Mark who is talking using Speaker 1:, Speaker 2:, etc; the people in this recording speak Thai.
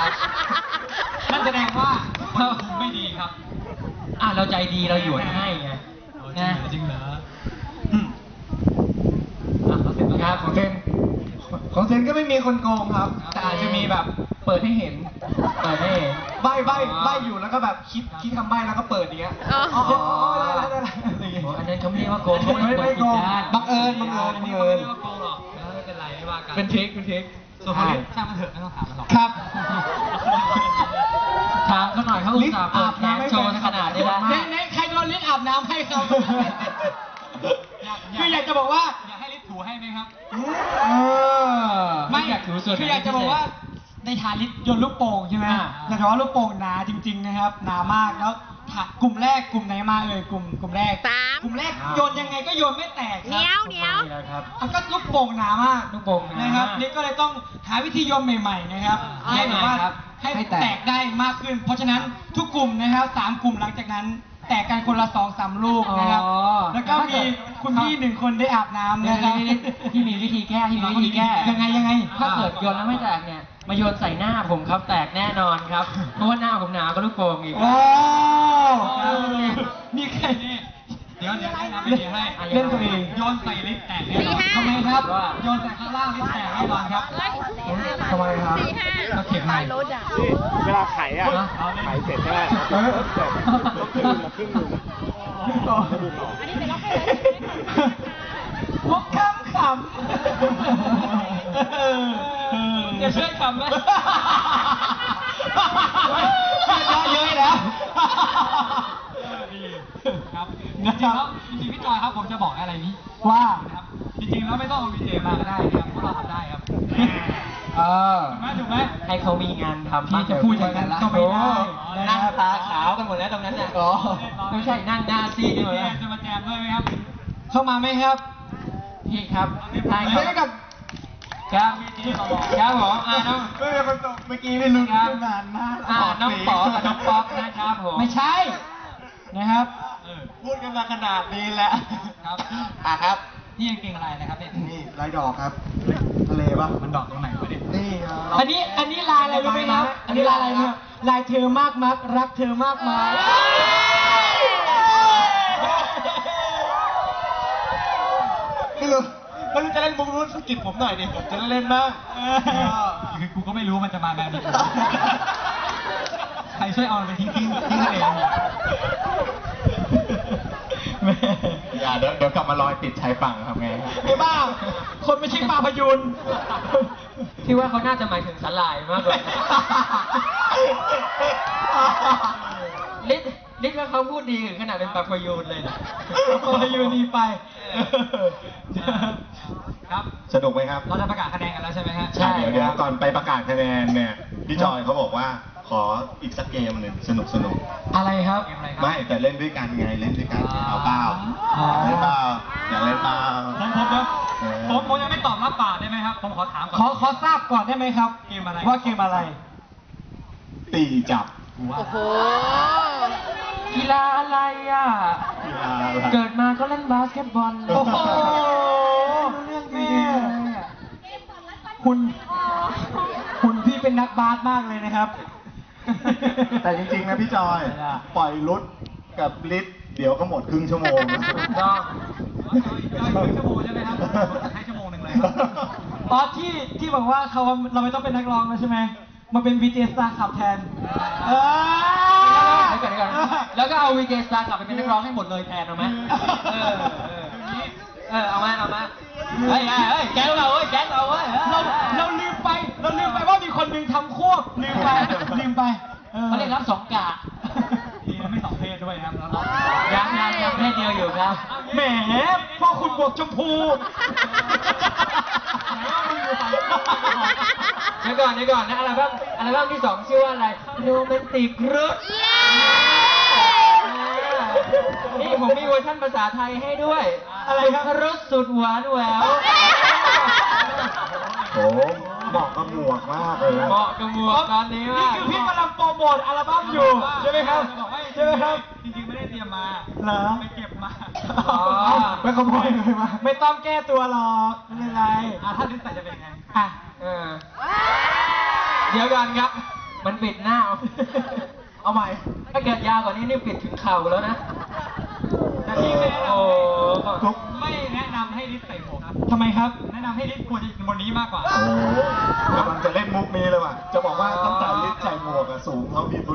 Speaker 1: ครับนั่นแสดงว่าเราไม่ดีครับเราใจดีเราหยวนให้ไงนะจริงเหรอ
Speaker 2: ครับของเซนก็ไม่มีคนโกงครับแต่อาจจะมีแบบเปิดให้เห็นใบอยู่แล้วก็แบบคิดคำใบแล้วก็เปิดอย่างเงี้ยได้
Speaker 1: อันนั้นเขาไม่เรียกว่าโกงเขา
Speaker 2: ไม่โกงบังเอิญ
Speaker 1: อันนี้เขาไม่เรียกว่าโกงหรอกไม่เป็นไรไม่ว่ากัน
Speaker 2: เป็นทริค
Speaker 1: ส่วนคนนี้ช่างมันเถอะไม่ต้องถามมันหรอก
Speaker 2: ครับ
Speaker 1: ถามเขาหน่อยเขาอุตส่าห์เปิดแขนโชว์ขนาดนี้แล้ว
Speaker 2: ใครโดนลิ้นอาบน้ำให้ครับคืออยากจะบอกว่า
Speaker 1: อยากให้ลิศถูให้ไหมครับ
Speaker 2: ไม่อยากถูส่วนคืออยากจะบอกว่าในฐานลิศโยนลูกโป่งใช่ไหมแต่ว่าลูกโป่งหนาจริงๆนะครับหนามากแล้วกลุ่มแรกกลุ่มไหนมาเลยกลุ่มแรกโยนยังไงก็โยนไม่แตกครับ
Speaker 3: เหนียว
Speaker 2: ก็ลูกโป่งหนามาก
Speaker 1: ลูกโป่ง
Speaker 2: นะครับนี่ก็เลยต้องหาวิธีโยนใหม่ๆนะครับให้แบบว่าให้แตกได้มากขึ้นเพราะฉะนั้นทุกกลุ่มนะครับ3 กลุ่มหลังจากนั้นแตกกันคนละ2-3 ลูกนะครับแล้วก็มีคุณพี่1 คนได้อาบน้ำนะครับ
Speaker 1: ที่มีวิธีแก้
Speaker 2: ยังไง
Speaker 1: ถ้าเกิดโยนแล้วไม่แตกเนี่ยมาโยนใส่หน้าผมครับแตกแน่นอนครับเพราะว่าหน้าผมหนาก็ลูกโป่งอีก
Speaker 2: นี่ใคร
Speaker 1: เดี๋ยวทำวิธีให้
Speaker 2: เล่นตัวเอง
Speaker 1: โยนใส่ลิฟต์แตกแน่นอน
Speaker 2: ทำไมครับโยนใส่ข้างล่างลิฟต์แตกแน่นอนครับทำไมครับ
Speaker 1: ก็เข็มให้
Speaker 4: เวลาไขเสร็จใช่ไหมครึ่งหนึ่ง
Speaker 2: พวกขำ
Speaker 1: จะช่วยขำไหม
Speaker 2: เยอะแล้ว
Speaker 1: ครับจริงๆพี่จอยครับผมจะบอกอะไรนี้
Speaker 2: ว่า
Speaker 1: ครับจริงๆแล้วไม่ต้องเอาวีเจมาก็ได้ครับพวกเราทำได้ครับถูกไหมให้เขามีงานทำ
Speaker 2: ที่จะพูดอย่างนั้นก็ไม่ได้
Speaker 1: นั่งตาขาวกันหมดแล้วตรงนั้นน่ะไม่ใช่นั่งหน้าซีดหมดแล้วจะมาแจมด้วยไหมครับ
Speaker 2: เข้ามาไหมครับ
Speaker 1: พี่ครับ
Speaker 2: ถ่ายกับ
Speaker 1: ครับผมน้อง
Speaker 2: เมื่อกี้ไม่รู้นานมาก
Speaker 1: น้องป๋อกับน้องป๊อกนะครับผม
Speaker 2: ไม่ใช่นะครับ
Speaker 1: พูดกันมาขนาดนี้แล้วครับ
Speaker 2: ครับ
Speaker 1: นี่ยังเก่งอะไรนะครับเนี่ย
Speaker 2: นี่ลายดอกครับทะเลปะ
Speaker 1: มันดอกตรงไหนวะเนี่ย
Speaker 2: นี่อันนี้ลายอะไรรู้ไหมครับอันนี้ลายอะไรเนี่ยลายเธอมากมักรักเธอมากมายไม่รู้จะเล่นมุกรู้สกิดผมหน่อยดิผมจะเล่นบ้าง
Speaker 1: คือกูก็ไม่รู้มันจะมาแบบนี้ใครช่วยเอาไปทิ้งทะเล
Speaker 2: อย่าเดี๋ยวกลับมาลอยติดชายฝั่งทำไงไอ้บ้าคนไม่ใช่ปลาพยูน
Speaker 1: ที่ว่าเขาน่าจะหมายถึงสลายมากกว่าลิศว่าเขาพูดดีถึงขนาดเป็นปลาพยูนเลยนะ
Speaker 2: ปลาพยูนดีไป
Speaker 1: ครับ
Speaker 2: สนุกไหมครับ
Speaker 1: เราจะประกาศคะแนนกันแล้วใช่ไหมฮะ
Speaker 2: ใช่เดี๋ยวก่อนไปประกาศคะแนนเนี่ยพี่จอยเขาบอกว่าขออีกสักเกมหนึ่งสนุกอะไรครับไม่แต่เล่นด้วยกันไงเล่นด้วยกันเอาเปล่าเล่นเปล่าอยากเล่นเปล่า
Speaker 1: ผมยังไม่ตอบรับปากได้ไหมครับผมขอถามก่อน
Speaker 2: ขอทราบก่อนได้ไหมครับ
Speaker 1: เกมอะไร
Speaker 2: ว่าเกมอะไรตีจับ
Speaker 3: โอ้โห
Speaker 1: กีฬาอะไรอ่ะเกิดมาก็เล่นบาสเกตบอล
Speaker 2: โอ้โหเรื่องแม่คุณพี่เป็นนักบาสมากเลยนะครับแต่จริงๆนะพี่จอยปล่อยรุดกับลิศเดี๋ยวก็หมดครึ่งชั่วโมง
Speaker 1: ก็ชั่วโมงใช่ไหมครับให้ชั่วโมงหนึ่งเลย
Speaker 2: อ๋อที่บอกว่าเราไม่ต้องเป็นนักร้องแล้วใช่ไหมมาเป็น VJ Star ขับแทน
Speaker 1: แล้วก็เอา VJ Star ขับไปเป็นนักร้องให้หมดเลยแทนเอาไหมเอามาเฮ้ยแก๊งเราเว้ย
Speaker 2: เราลืมไปว่ามีคนหนึ่งทำควบลืมไป
Speaker 1: เขาเรียกรับ2 กะดีนะไม่2 เพศด้วยครับยังเพศเดียวอยู่ครับ
Speaker 2: แหมพ่อคุณบวกชมพู
Speaker 1: เดี๋ยวก่อนนะอัลบั้มที่ 2ชื่อว่าอะไรโรแมนติกรุดนี่ผมมีเวอร์ชันภาษาไทยให้ด้วย
Speaker 2: อะไรครับ
Speaker 1: รสสุดหวานแหวว
Speaker 2: โอ้เหมาะกับหมวกมากเลย
Speaker 1: เหมาะกับหมวกตอนนี้
Speaker 2: นี่คือพี่กำลังโปรโมทอัลบั้มอยู่ใช่ไหมครับใช่ไหมครับ
Speaker 1: จริงๆไม่ได้เตรียมมา
Speaker 2: เหรอ
Speaker 1: ไปเก็บมา
Speaker 2: ไม่ขโมยเลยมาไม่ต้องแก้ตัวหรอกไม่เป็นไร
Speaker 1: ถ้าลิ้นใส่จะเป็นไง
Speaker 2: อ่ะ
Speaker 1: เดี๋ยวกันครับมันปิดหน้า เอาใหม่ ถ้าเกิดยาวกว่านี้นี่ปิดถึงเข่าแล้วนะ
Speaker 2: แต่ที่ไม่แนะน
Speaker 1: โอ้
Speaker 2: ำไม่แนะนำให้ลิศใส่หมวกครับทำไมครับ แนะนำให้ลิศควรจะอยู่บนนี้มากกว่า
Speaker 3: โอ้กำลังจะเล่นมุกนี้เลยว่ะ จะบอกว่าตั้งแต่ลิศใส่หมวกอะสูงเท่าพี่เบิร์ด